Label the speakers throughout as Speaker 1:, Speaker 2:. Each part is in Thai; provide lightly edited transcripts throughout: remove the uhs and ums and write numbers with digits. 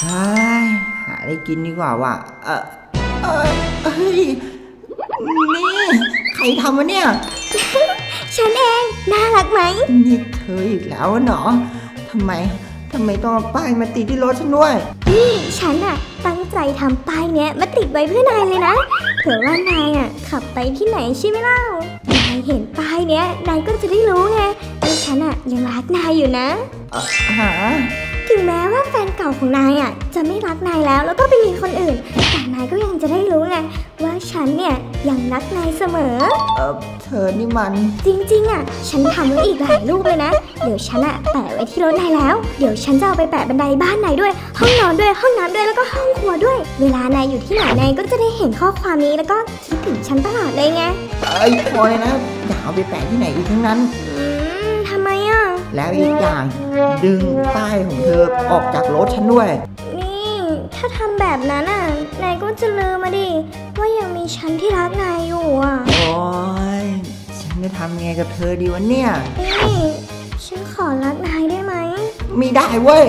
Speaker 1: เฮ้ยหาอะไรกินดีกว่าว่ะเฮ้ยนี่ใครทำวะเนี่ย
Speaker 2: ฉันเองน่ารักไหม
Speaker 1: นี่เธออีกแล้วเนาะทำไมต้องเอาป้ายมาติดที่รถฉันด้วย
Speaker 2: นี่ฉันอะตั้งใจทำป้ายเนี้ยมาติดไว้เพื่อนายเลยนะเผื่อว่านายอะขับไปที่ไหนใช่ไหมเล่านายเห็นป้ายเนี้ยนายก็จะได้รู้ไงว่าฉันอะยังรักนายอยู่นะ
Speaker 1: หา
Speaker 2: ถึงแม้ว่าแฟนเก่าของนายอะจะไม่รักนายแล้วก็ไปมีคนอื่นแต่นายก็ยังจะได้รู้ไงว่าฉันเนี่ยยังรักนายเสมอ
Speaker 1: เธอนี่มัน
Speaker 2: จริงๆอะฉันทำไว้อีกหลายรูปเลยนะเดี๋ยวฉันอะแปะไว้ที่รถนายแล้วเดี๋ยวฉันจะเอาไปแปะบันไดบ้านนายด้วยห้องนอนด้วยห้องน้ำด้วยแล้วก็ห้องครัวด้วยเวลานายอยู่ที่ไหนนายก็จะได้เห็นข้อความนี้แล้วก็คิดถึงฉันตลอดเลยไง
Speaker 1: พอเลยนะอย่าเอาไปแปะที่ไหนอีกทั้งนั้น
Speaker 2: ทำไมอ่ะ
Speaker 1: แล้วอีกอย่างดึงป้ายของเธอออกจากรถฉันด้วย
Speaker 2: นี่ถ้าทำแบบนั้นอ่ะนายก็จะลืมมาดิว่ายังมีฉันที่รักนายอยู่อ่ะ
Speaker 1: โอ๊ยฉันจะทำไงกับเธอดีวะเนี่ย
Speaker 2: นี่ฉันขอรักนายได้ไหม
Speaker 1: ไม่ได้เว้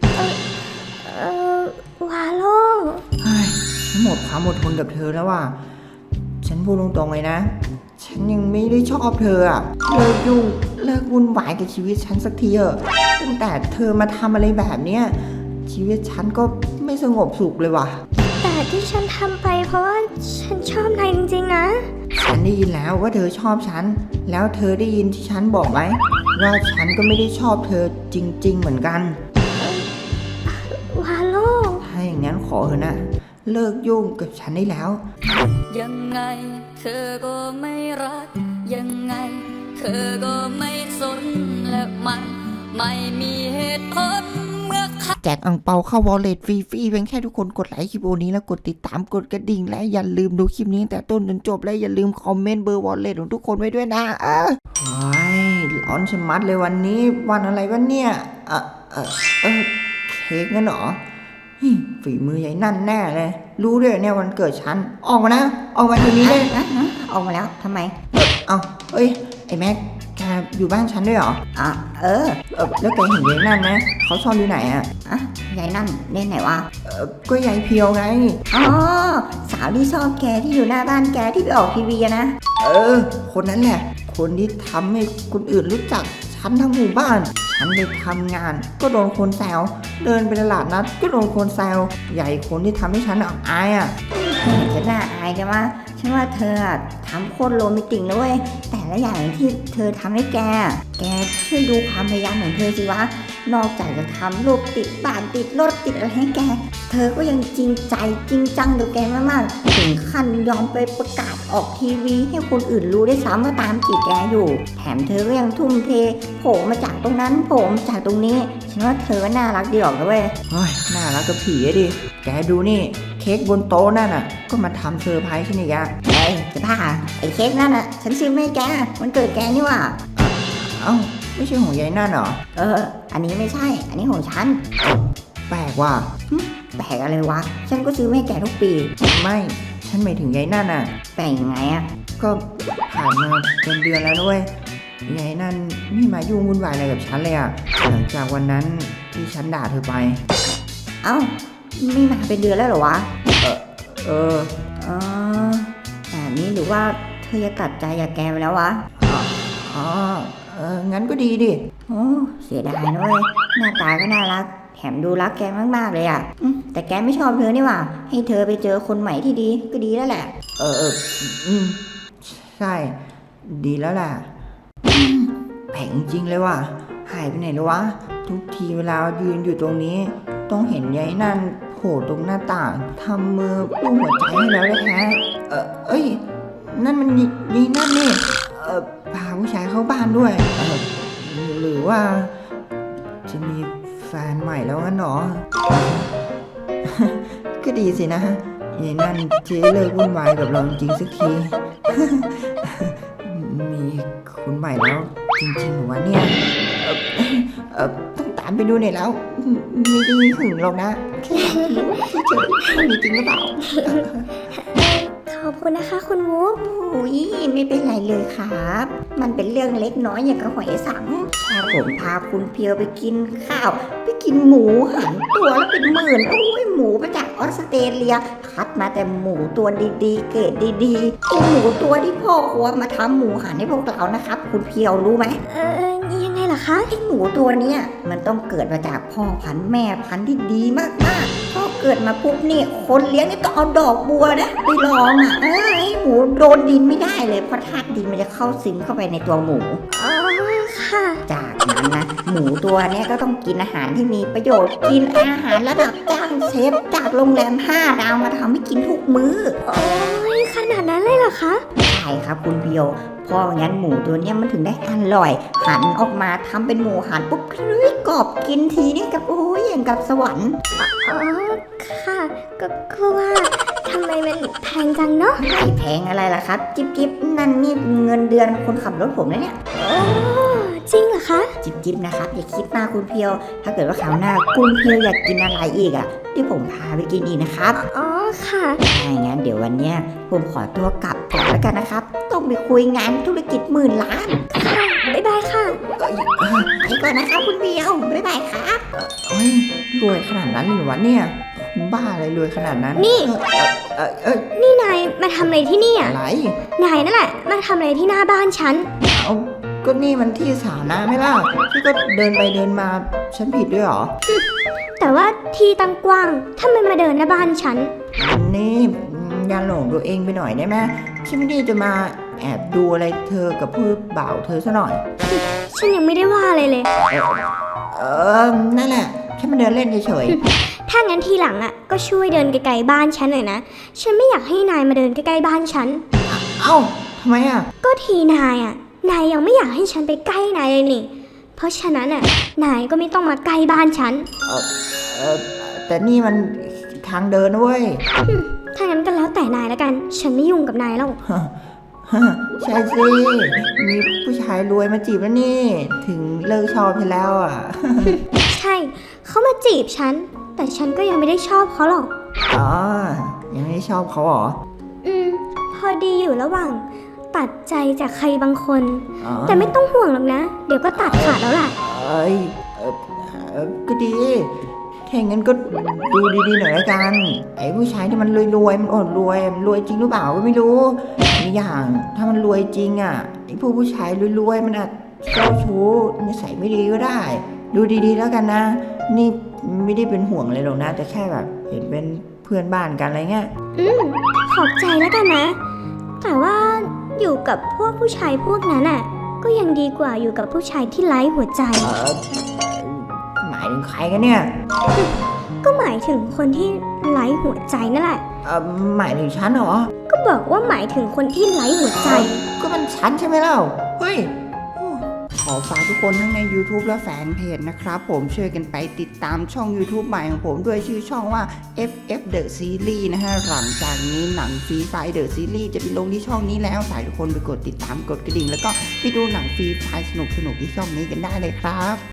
Speaker 2: ยวาโล
Speaker 1: ฉันหมดความอดทนกับเธอแล้วว่ะฉันพูดตรงๆเลยนะฉันยังไม่ได้ชอบเธออะเลิกยุ่งเลิกวุ่นวายกับชีวิตฉันสักทีเถอะตั้งแต่เธอมาทำอะไรแบบเนี้ยชีวิตฉันก็ไม่สงบสุขเลยว่ะ
Speaker 2: แต่ที่ฉันทำไปเพราะว่าฉันชอบนายจริงๆนะ
Speaker 1: ฉันได้ยินแล้วว่าเธอชอบฉันแล้วเธอได้ยินที่ฉันบอกไหมว่าฉันก็ไม่ได้ชอบเธอจริงๆเหมือนกัน
Speaker 2: วาโล
Speaker 1: ถ้าอย่างนั้นขอเถอะนะเลิกยุ่งกับฉันได้แล้ว
Speaker 3: ยังไงเธอก็ไม่รักยังไงเธอก็ไม่สนและมันไม่มีเหตุผลเมื่อ
Speaker 1: แจกอั่งเปาเข้าวอลเล็ตฟรีๆเพียงแค่ทุกคนกดไลค์คลิปนี้แล้วกดติดตามกดกระดิ่งและอย่าลืมดูคลิปนี้ตั้งแต่ต้นจนจบและอย่าลืมคอมเมนต์เบอร์วอลเล็ตของทุกคนไว้ด้วยนะโอ้ยร้อนชะมัดเลยวันนี้วันอะไรวะเนี่ยเค้กงั้นเหรอฝีมือใหญ่นั่นแน่เลยรู้ด้วยเนี่ยวันเกิดฉันออกมานะออกมาทีนี้เลย
Speaker 4: ออกมาแล้วทำไม
Speaker 1: เอ้ยไอ้แม็กแกอยู่บ้านฉันด้วยเหรอแล้วแกเห็นยายนั่นไหมเขาซ่อนอยู่ไหน
Speaker 4: ยายนั่นเล่นไหนวะ
Speaker 1: ก็ยายเพียวไง
Speaker 4: สาวที่ชอบแกที่อยู่หน้าบ้านแกที่ไปออกทีวีนะ
Speaker 1: คนนั้นแหละคนที่ทำให้คนอื่นรู้จักฉันทั้งหมู่บ้านฉันไปทำงานก็โดนคนแซวเดินไปตลาดนัดก็โดนคนแซวใหญ่คนที่ทำให้ฉันอับอาย
Speaker 4: จะน่าอายกันวะฉันว่าเธอทำโคตรโรแมนติกนะเว้ยแต่ละอย่างที่เธอทำให้แกช่วยดูความพยายามของเธอสิวะนอกจากจะทำรูปติดบ้านติดรถติดอะไรให้แกเธอก็ยังจริงใจจริงจังกับแกมากๆถึงขั้นยอมไปประกาศออกทีวีให้คนอื่นรู้ได้ซ้ำว่าตามจีบแกอยู่แถมเธอก็ยังทุ่มเทโผล่มาจากตรงนั้นโผล่มาจากตรงนี้ฉันว่าเธอก็น่ารักดีออกนะเว้ย
Speaker 1: น่ารักกับผีดิแกดูนี่เค้กบนโต๊ะนั่นก็มาทำเซอร์ไพรส์ฉันอีก
Speaker 4: จะบ้าไอ้เค้กนั่นฉันซื้อให้แกมันเกิดแกนี่ว่ะ
Speaker 1: ไม่ใช่ของยายนั่นเหรอ
Speaker 4: อันนี้ไม่ใช่อันนี้ของฉัน
Speaker 1: แปลกว่ะ
Speaker 4: แปลกอะไรวะฉันก็ซื้อให้แกทุกปี
Speaker 1: ไม่ฉันหมายถึงยายนั่น
Speaker 4: แปลกยังไง
Speaker 1: ก็ผ่านมาเป็นเดือนแล้วด้วยยายนั่นไม่มายุ่งวุ่นวายอะไรกับฉันเลยหลังจากวันนั้นที่ฉันด่าเธอไป
Speaker 4: ไม่มาเป็นเดือนแล้วเหรอวะแบบนี้หรือว่าเธอจะตัดใจจากแกไปแล้ววะ
Speaker 1: งั้นก็ดีดิ
Speaker 4: เสียดายนะเว้ยหน้าตาก็น่ารักแถมดูรักแกมากๆเลยแต่แกไม่ชอบเธอนี่หว่าให้เธอไปเจอคนใหม่ที่ดีก็ดีแล้วแหละ
Speaker 1: ใช่ดีแล้วแหละแปลกจริงเลยว่ะหายไปไหนแล้ววะทุกทีเวลายืนอยู่ตรงนี้ต้องเห็นยายนั่นโผล่ตรงหน้าต่างทำมือลูบหัวใจให้แล้วแท้นั่นมันยายนั่นนี่พาผู้ชายเข้าบ้านด้วยหรือว่าจะมีแฟนใหม่แล้วงั้นหรอก็ดีสินะยายนั่นเจ๊เลิกวุ่นวายกับเราจริงสักทีมีคนใหม่แล้วจริงๆหรือวะเนี่ยต้องตามไปดูหน่อยแล้วไม่ได้ถึงหรอกนะแค่เฉยๆมีจริงหรือเปล่า
Speaker 2: ขอบคุณนะคะคุณวูฟ
Speaker 4: ไม่เป็นไรเลยครับมันเป็นเรื่องเล็กน้อยอย่างกับหอยสังแค่ผมพาคุณเพียวไปกินข้าวไปกิกินหมูหันตัวละเป็นหมื่นโอ้ยหมูมาจากออสเตรเลียคัดมาแต่หมูตัวดีๆเกรดดีๆกินหมูตัวที่พ่อครัวมาทำหมูหันให้พวกเรานะครับคุณเพียวรู้ไหม
Speaker 2: ยังไงล่ะคะ
Speaker 4: ไอ้หมูตัวเนี้ยมันต้องเกิดมาจากพ่อพันธุ์แม่พันธุ์ที่ดีมากๆพอเกิดมาปุ๊บนี่คนเลี้ยงนี่ต้องเอาดอกบัวนะไปลองไอ้หมูโดนดินไม่ได้เลยเพราะธาตุดินมันจะเข้าซึมเข้าไปในตัวหมู
Speaker 2: อ๋อ ค่ะ
Speaker 4: จากนั้นนะหมูตัวเนี้ยก็ต้องกินอาหารที่มีประโยชน์กินอาหารระดับจ้างเชฟจากโรงแรม5 ดาวมาทำให้กินทุกมื้อ
Speaker 2: โอ้ยขนาดนั้นเลยเหรอคะ
Speaker 4: ใช่ครับคุณเพียวเพราะงั้นหมูตัวเนี้ยมันถึงได้อร่อยหันออกมาทำเป็นหมูหันปุ๊บกรอบกินทีนี่กับโอ้ยอย่างกับสวรรค์
Speaker 2: อ๋อ ค่ะ ก็คือว่าทำไมมันแพงจังเนาะ
Speaker 4: ไม่แพงอะไรล่ะครับ จิ๊บนั่นนี่เงินเดือนคนขับรถผมนะเนี่ย
Speaker 2: โอ้จริงเหรอคะ
Speaker 4: จิ๊บนะครับอย่าคิดมากคุณเพียว ถ้าเกิดว่าคราวหน้าคุณเพียวอยากกินอะไรอีกที่ผมพาไปกินอีกนะครับ
Speaker 2: อ๋อ ค่ะ
Speaker 4: ถ้าอย่างนั้นเดี๋ยววันเนี้ยผมขอตัวกลับก่อนแล้วกันนะครับ ต้องไปคุยงานธุรกิจ10,000 ล้าน
Speaker 2: บ๊ายบายค่ะ
Speaker 4: ไปก่อนนะครับคุณเพียวบ๊ายบายครับ
Speaker 1: เฮ้ยรวยขนาดนั้นเลยเหรอวะเนี่ยบ้าอะไรรวยขนาดนั้น
Speaker 2: นี่ นี่นายมาทำอะไรที่นี่อ่ะ
Speaker 1: อะไร
Speaker 2: นายนั่นแหละ มาทำอะไรที่หน้าบ้านฉัน
Speaker 1: เอาก็นี่มันที่สาธารณะไม่ล่ะที่ก็เดินไปเดินมาฉันผิดด้วยเหรอ
Speaker 2: แต่ว่าที่ตั้งกว้างทำไมมาเดินหน้าบ้านฉัน
Speaker 1: นี่อย่าหลงตัวเองไปหน่อยได้ไหมฉันไม่ได้จะมาแอบดูอะไรเธอกับผู้บ่าวเธอซะหน่อย
Speaker 2: ฉันยังไม่ได้ว่าอะไรเลย
Speaker 1: นั่นแหละแค่มาเดินเล่นเฉย
Speaker 2: ถ้างั้นทีหลังอ่ะ ก็ช่วยเดินไกลๆบ้านฉันหน่อยนะ ฉันไม่อยากให้นายมาเดินใกล้ๆบ้านฉัน
Speaker 1: ๆ เอ้าทำไมอ่ะ
Speaker 2: ก็ทีนายอ่ะ นายยังไม่อยากให้ฉันไปใกล้นายเลยนี่ เพราะฉะนั้นอ่ะ นายก็ไม่ต้องมาใกล้บ้านฉัน
Speaker 1: แต่นี่มันทางเดินนะเว้ย
Speaker 2: ถ้างั้นก็แล้วแต่นายแล้วกัน ฉันไม่ยุ่งกับนายแล้ว
Speaker 1: ใช่สิ มีผู้ชายรวยมาจีบแล้วนี่ ถึงเลิกชอบไปแล้วอ่ะ
Speaker 2: ใช่ เขามาจีบฉัน แต่ฉันก็ยังไม่ได้ชอบเขาหรอก
Speaker 1: อ๋อ ยังไม่ชอบเขาเหรอ
Speaker 2: พอดีอยู่ระหว่าง ตัดใจจากใครบางคน
Speaker 1: อ๋อ
Speaker 2: แต่ไม่ต้องห่วงหรอกนะ เดี๋ยวก็ตัดขาดแล้วล่ะ
Speaker 1: เอ้ยก็ดีถ้าอย่างนั้นก็ดูดีๆหน่อยละกัน ไอ้ผู้ชายที่มันรวยๆมันอดรวยมันรวยจริงหรือเปล่าก็ไม่รู้อีกอย่างถ้ามันรวยจริงอ่ะไอ้ผู้ชายรวยๆมันอาจเจ้าชู้นิสัยไม่ดีก็ได้ ดูดีๆแล้วกันนะ นี่ไม่ได้เป็นห่วงเลยหรอกนะ แต่แค่แบบเห็นเป็นเพื่อนบ้านกันอะไรเงี้ย
Speaker 2: ขอบใจแล้วกันนะ แต่ว่าอยู่กับพวกผู้ชายพวกนั้นอ่ะ ก็ยังดีกว่าอยู่กับผู้ชายที่ไร้หัวใจ
Speaker 1: หมายถึงใครกันเนี่ย
Speaker 2: ก็หมายถึงคนที่ไร้หัวใจนั่นแหละ
Speaker 1: หมายถึงฉันเหรอ
Speaker 2: ก็บอกว่าหมายถึงคนที่ไร้หัวใจ
Speaker 1: ก็มันฉันใช่ไหมเล่า เฮ้ย ขอฝากทุกคนทั้งใน YouTube และแฟนเพจนะครับผมช่วยกันไปติดตามช่อง YouTube ใหม่ของผมด้วยชื่อช่องว่า FF The Series นะฮะหลังจากนี้หนังฟรีไฟ The Series จะไปลงที่ช่องนี้แล้วฝากทุกคนไปกดติดตามกดกระดิ่งแล้วก็ไปดูหนังฟรีไฟสนุกๆที่ช่องนี้กันได้เลยครับ